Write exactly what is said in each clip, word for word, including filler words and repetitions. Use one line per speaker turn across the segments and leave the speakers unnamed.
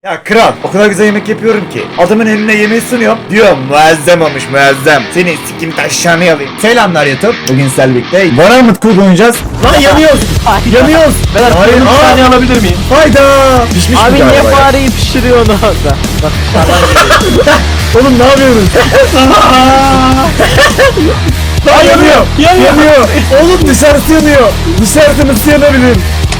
Ya kral, o kadar güzel yemek yapıyorum ki adamın eline yemeği sunuyorum. Diyor muazzam olmuş muazzam. Senin sikim taşlarını yalayım. Selamlar YouTube. Bugün sizlerle birlikte Varamut Kul oynayacağız. Lan yanıyoruz. yanıyoruz.
Ben
Hayır,
bir
aa.
saniye alabilir miyim?
Hayda. Pişmiş
Abi
mi
niye
galiba ya?
fareyi pişiriyorsun orada? Bak
Oğlum ne yapıyorsunuz? Lan yanıyor.
Yanıyor.
Yanıyor. Oğlum dışarısı yanıyor. Dışarısı nasıl yanabilir?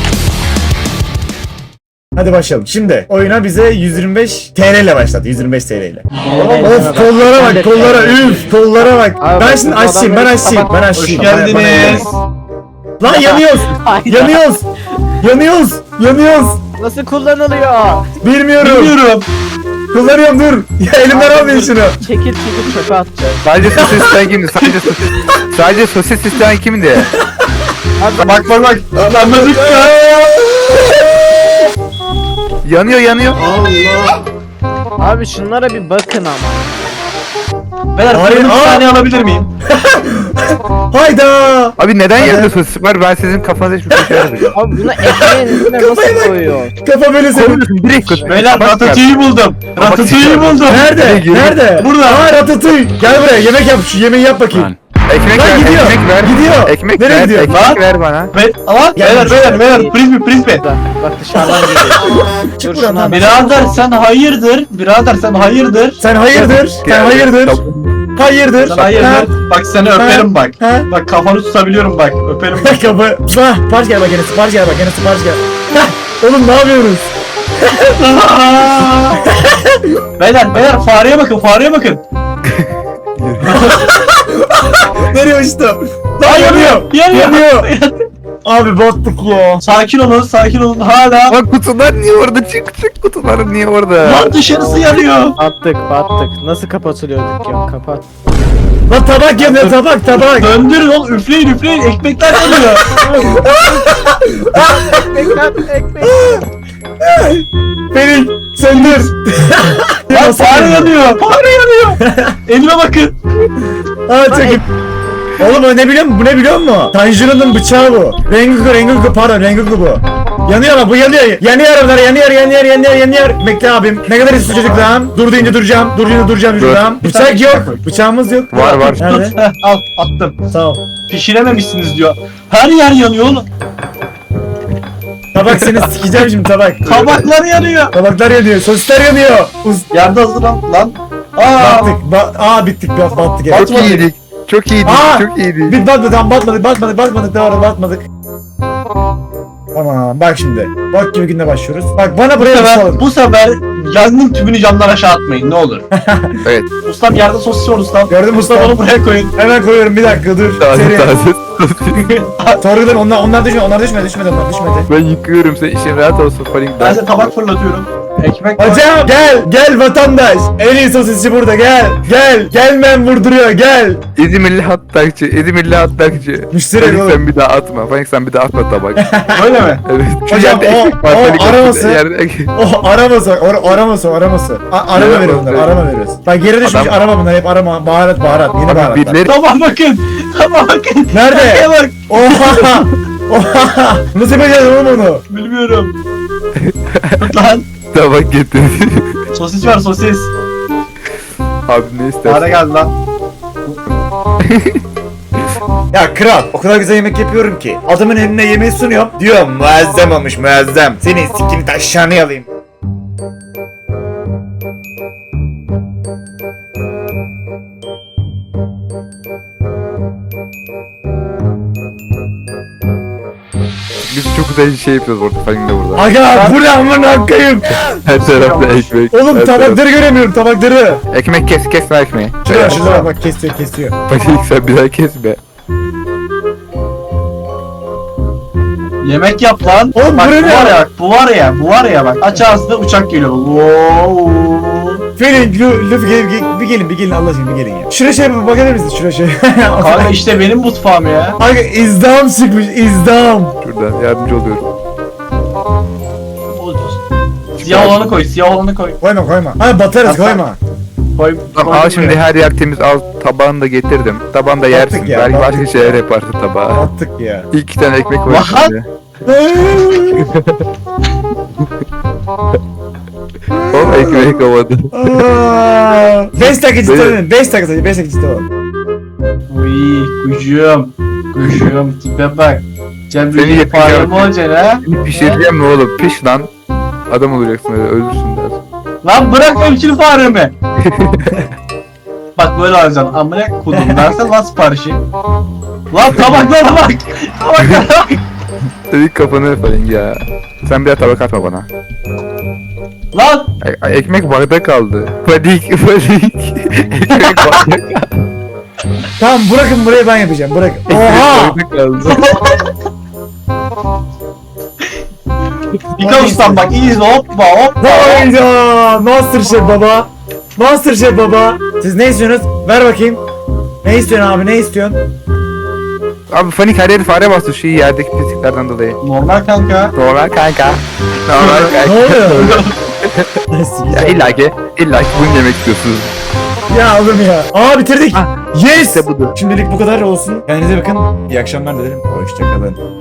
Hadi başlayalım. Şimdi oyuna bize yüz yirmi beş T L ile başladı. yüz yirmi beş T L ile. Of kollara bak kollara üf kollara bak.
Abi
Ben
bak,
şimdi
bu
açayım ben
adamları
açayım ben
sabah-
açayım.
Hoş
Bana- bana
geldiniz.
yanıyor. Lan yanıyoruz.
Hayda.
yanıyoruz. Yanıyoruz. Yanıyoruz.
Nasıl kullanılıyor?
Bilmiyorum.
Bilmiyorum.
Kullanıyorum dur. Ya elimden almayın şunu.
Çekil çekil çöpe atacağız.
Sadece sosis isteyen kimdi? Sadece sosis. Sadece sosis isteyen kimdi?
Bak bak bak. Anladık ya.
Yanıyor yanıyor.
Abi şunlara bir bakın ama.
Beyler
Hayır,
bir
aa.
saniye alabilir miyim?
Hayda.
Abi neden
Hadi.
yerde sosis var? Ben sizin kafanıza hiçbir şey yapmayacağım.
Abi bunu ekmeğin üstüne
Kafaya bak.
nasıl koyuyor?
Kafa böyle senin.
Koyuyorsun direkt koy.
Beyler
Bak,
ratatouille'yi buldum. Ratatouille'yi buldum.
Nerede?
Geri-
Nerede?
Burada.
Aa ratatouille. Gel buraya yemek yap. Şu yemeği yap bakayım.
Ekmek
Lan
ver,
gidiyor,
ekmek ver.
gidiyor.
Ekmek
Nereye
ver,
gidiyor?
ekmek
Lan.
ver bana.
Be Aman
Gel
beyler
şuraya.
beyler beyler frisbee frisbee.
Bak, bak dışarıdan geliyor.
Çık
Dur
buradan.
şuna
lan.
bir-
Birader sen hayırdır? Birader sen hayırdır?
Sen hayırdır? Sen
Gel.
hayırdır? Hayırdır?
Sen hayırdır? Bak seni öperim bak.
Ha?
Bak kafanı tutabiliyorum bak. Öperim bak.
Kapı. Bah, sipariş gel bak gene sipariş gel bak gene sipariş gel. Hah, oğlum ne yapıyoruz?
Beyler beyler fareye bakın fareye bakın.
Nereye uçtu?
Lan
Lan yanıyor.
yanıyor.
Yanıyor. Abi battık ya.
Sakin olun sakin olun hala.
Bak kutular niye orada? Çık çık kutular niye orada?
Lan dışarısı yanıyor.
Battık battık. Nasıl kapatılıyorduk ya? Kapat.
Lan tabak yanıyor tabak tabak.
Döndürün oğlum üfleyin üfleyin ekmekler yanıyor.
Ekmek ekmek.
Beni söndür.
Lan fare yanıyor fare yanıyor. Elime bakın.
Aa çekip. Oğlum o ne biliyor musun? Bu ne biliyor musun? Tanjiro'nun bıçağı bu. Rengoku Rengoku pardon Rengoku bu. Yanıyor ama bu yanıyor. Yanıyor arabalar yanıyor yanıyor yanıyor yanıyor. Bekle abim. Ne kadar istiyor çocuk lan? Dur deyince duracağım. Dur deyince duracağım
Dur.
duracağım. Bıçak yok. Bıçağımız yok.
Var, var.
Nerede?
Heh, al attım.
Sağ ol.
Pişirememişsiniz diyor. Her yer yanıyor oğlum.
Tabak seni sikeceğim şimdi tabak.
Tabaklar yanıyor.
Tabaklar yanıyor. Sosisler yanıyor. Uz
Yerde hazır lan. Lan. Aa.
battık. Ba aa bittik. Bat battık. Evet.
Çok iyiydik. Çok iyiydik.
Aa!
Çok iyiydik.
Biz batmadık. Tamam batmadık. Batmadık. Batmadık. Doğru batmadık. Tamam bak şimdi. Bak gibi günde başlıyoruz. Bak bana
Bu
buraya
sefer,
salın.
bu sefer yangın tüpünü camdan aşağı atmayın ne olur.
Evet.
Ustam yerde sosis var ustam.
Gördün mü
Ustam
usta?
onu buraya koyun.
Hemen koyuyorum bir dakika dur.
Taze
Seri.
taze.
Sorgudan onlar onlar düşmedi. Onlar düşmedi. Düşmedi onlar düşmedi.
Ben yıkıyorum sen işin rahat olsun
Ben
Faling'den.
size tabak fırlatıyorum. Ekmek koy.
Hocam gel gel vatandaş. En iyi sosisçi burada gel. Gel. Gelmem vurduruyor gel.
İzmirli hattakçı, İzmirli hattakçı.
Müşteri
Faling
oğlum.
sen bir daha atma. Faling sen bir daha atma tabak.
Öyle mi?
Evet. Şu
Hocam,
yerde
o-
ekmek var,
o
Faling,
araması-
yerde-
Oh araması or, araması araması. A, arama
Evet,
veriyoruz bunları
evet.
arama veriyoruz. Bak geri düşmüş
Adam-
arama bunlar hep arama baharat baharat yeni
Abi
baharatlar.
birileri
Tamam bakın. Tamam bakın.
Nerede?
Nereye bak.
Oha! Oha! Nasıl yapacağız oğlum onu?
Bilmiyorum. Tut lan.
tabak getirdi.
Sosis var sosis.
Abi ne istersin?
Fare geldi lan.
Ya kral o kadar güzel yemek yapıyorum ki adamın eline yemeği sunuyorum. Diyor muazzam olmuş muazzam. Senin sikini taşlarını yalayım.
Biz çok güzel şey yapıyoruz orada Faling de burada.
Aga bu ne amına koyayım.
Her tarafta ekmek.
Oğlum
her
tabakları göremiyorum tabakları.
taraf- Ekmek kes kes ver ekmeği.
Şuraya şuraya bak kesiyor kesiyor.
Faling sen bir daha kesme.
Yemek yap lan.
Oğlum,
bak,
bu ne
bu
ya?
var ya bak bu var ya bu var ya bak aç ağzını uçak geliyor. Wow.
Felin, Lu, Luffy gel, gel, bir gelin bir gelin Allah aşkına bir gelin ya. Şuraya şey bir bakabilir misiniz şuraya şey.
Kanka işte benim mutfağım ya.
Aga izdam çıkmış izdam.
Şuradan yardımcı oluyorum.
Siyah olanı koy siyah olanı koy.
Koyma koyma. Hayır batarız
Hatta-
koyma.
Koy.
Tamam,
koy
al şimdi
buraya.
her yer temiz al tabağını da getirdim. Tabağını da
Battık
yersin.
ya,
Belki
battık
başka şeyler yaparsın tabağa.
Battık ya.
İki tane ekmek var
What?
şimdi. Ekmek havada.
beş dakika ciddi
Böyle-
olun. beş dakika sadece beş dakika ciddi olun.
Uy kuşum. Kuşum tipe bak. Sen
Seni
bir
yakacağım.
fare mi olacaksın ha?
Seni pişireceğim mi oğlum? Piş lan. Adam olacaksın öyle ölürsün biraz.
Lan bırak evcil faremi. Bak böyle alacaksın. Amına kodum dersen lan siparişi. Lan tabaklara bak. Tabaklara bak.
Senin kafanı falan ya. Sen bir daha tabak atma bana.
Lan.
Ay, ay, ekmek bardak kaldı. Panik panik. Ekmek bardak
Tamam bırakın burayı ben yapacağım. Bırakın. Oha!
bardak kaldı.
Dikkat ustam bak iyi izle hoppa hoppa.
Hayda! Masterchef baba. Masterchef baba. Siz ne istiyorsunuz? Ver bakayım. Ne istiyorsun abi? Ne istiyorsun?
Abi panik her yeri fare bastı şu yerdeki pisliklerden dolayı.
Normal kanka.
Normal kanka. Normal
Ne
kanka.
oluyor?
Ya illa ki, illa ki bunu yemek istiyorsunuz.
Ya oğlum ya. Aa bitirdik.
Ah,
Yes.
İşte budur.
Şimdilik bu kadar olsun. Kendinize bakın. İyi akşamlar dilerim. Hoşçakalın.